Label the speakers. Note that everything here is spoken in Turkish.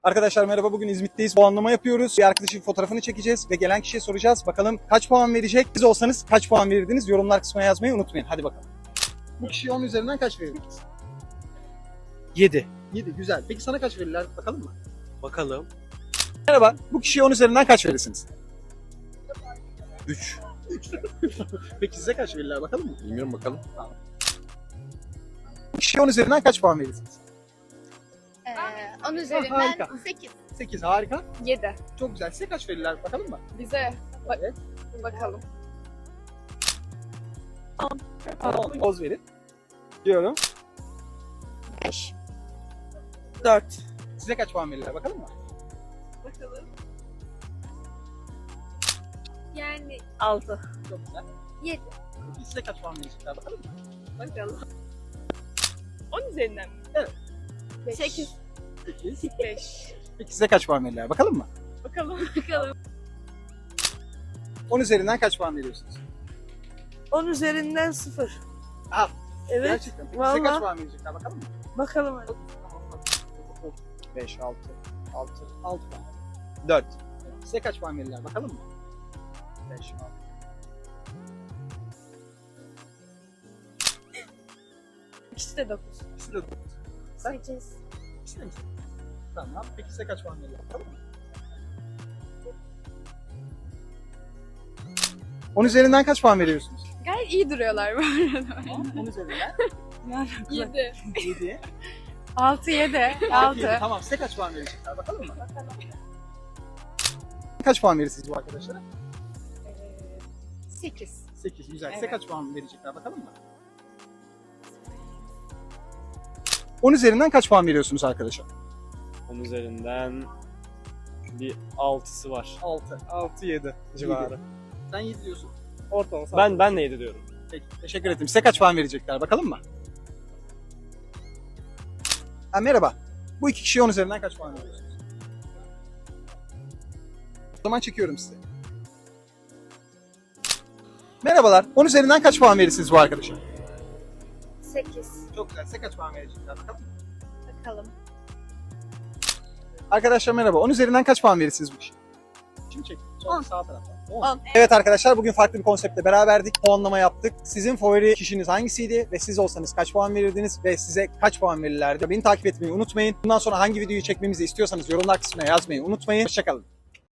Speaker 1: Arkadaşlar merhaba, bugün İzmit'teyiz. Puanlama yapıyoruz. Bir arkadaşın fotoğrafını çekeceğiz ve gelen kişiye soracağız. Bakalım kaç puan verecek? Siz olsanız kaç puan verirdiniz? Yorumlar kısmına yazmayı unutmayın. Hadi bakalım. Bu kişiye 10 üzerinden kaç verirdiniz?
Speaker 2: 7.
Speaker 1: 7, güzel. Peki sana kaç verirler? Bakalım mı?
Speaker 2: Bakalım.
Speaker 1: Merhaba, bu kişiye 10 üzerinden kaç verirsiniz?
Speaker 2: 3.
Speaker 1: Peki size kaç verirler? Bakalım mı?
Speaker 2: Bilmiyorum, bakalım.
Speaker 1: Bu kişiye 10 üzerinden kaç puan verirsiniz?
Speaker 3: 10 üzerinden
Speaker 1: harika.
Speaker 3: 8.
Speaker 1: 8, harika.
Speaker 3: 7.
Speaker 1: Çok güzel. Size kaç verirler? Bakalım mı?
Speaker 3: Bize
Speaker 1: Evet.
Speaker 3: bakalım.
Speaker 1: 10 poz verin. Diyorum.
Speaker 3: 5.
Speaker 2: 4.
Speaker 1: Size kaç puan verirler? Bakalım mı?
Speaker 3: Bakalım. Yani
Speaker 2: 6.
Speaker 1: Çok güzel.
Speaker 3: 7.
Speaker 1: Peki size kaç puan verecekler? Bakalım mı?
Speaker 3: Bakalım.
Speaker 4: 10 üzerinden mi?
Speaker 3: 8.
Speaker 1: 8.
Speaker 4: 5.
Speaker 1: Peki size kaç puan verirler? Bakalım mı?
Speaker 4: Bakalım.
Speaker 3: Bakalım.
Speaker 1: 10 üzerinden kaç puan veriyorsunuz?
Speaker 2: 10 üzerinden 0.
Speaker 1: Ah,
Speaker 2: Evet.
Speaker 1: gerçekten. Peki size
Speaker 2: Vallahi.
Speaker 1: kaç puan verecekler? Bakalım mı?
Speaker 2: Bakalım hadi.
Speaker 1: 5, 6 puan. 4. Size kaç puan verirler? Bakalım mı? 5, 6.
Speaker 4: İkisi de 9.
Speaker 1: İkisi de 9.
Speaker 3: 8.
Speaker 1: İkisi de mi? Tamam. Peki size kaç puan verirler? Bakalım mı? 10 üzerinden kaç puan veriyorsunuz?
Speaker 3: Gayet iyi duruyorlar bu arada.
Speaker 1: 10 üzerinden
Speaker 3: 7.
Speaker 1: 7.
Speaker 3: 6, 7.
Speaker 1: 6.
Speaker 3: 6.
Speaker 1: Tamam, size kaç puan verecekler? Bakalım mı? Kaç puan verirsiniz bu arkadaşlara?
Speaker 3: 8.
Speaker 1: 8, güzel. Size
Speaker 3: Evet.
Speaker 1: kaç puan verecekler? Bakalım mı? 10 üzerinden kaç puan veriyorsunuz arkadaşa?
Speaker 5: 10 üzerinden bir 6'sı var.
Speaker 1: 6.
Speaker 5: 6-7 civarı.
Speaker 1: Sen 7 diyorsun.
Speaker 5: Ortalama. Ben de 7 diyorum.
Speaker 1: Peki, teşekkür ederim. Size kaç puan verecekler? Bakalım mı? Merhaba. Bu iki kişiye 10 üzerinden kaç puan veriyorsunuz? O zaman çekiyorum size. Merhabalar. 10 üzerinden kaç puan verirsiniz bu arkadaşa?
Speaker 3: 8.
Speaker 1: Çok güzel. Size kaç puan verecekler? Bakalım.
Speaker 3: Bakalım.
Speaker 1: Arkadaşlar merhaba. 10 üzerinden kaç puan verirsiniz bu kişiye? Şimdi çek. Sol sağ taraftan. 10. Evet arkadaşlar, bugün farklı bir konseptle beraberdik. Puanlama yaptık. Sizin favori kişiniz hangisiydi ve siz olsanız kaç puan verirdiniz ve size kaç puan verirlerdi? Beni takip etmeyi unutmayın. Bundan sonra hangi videoyu çekmemizi istiyorsanız yorumlar kısmına yazmayı unutmayın. Hoşçakalın.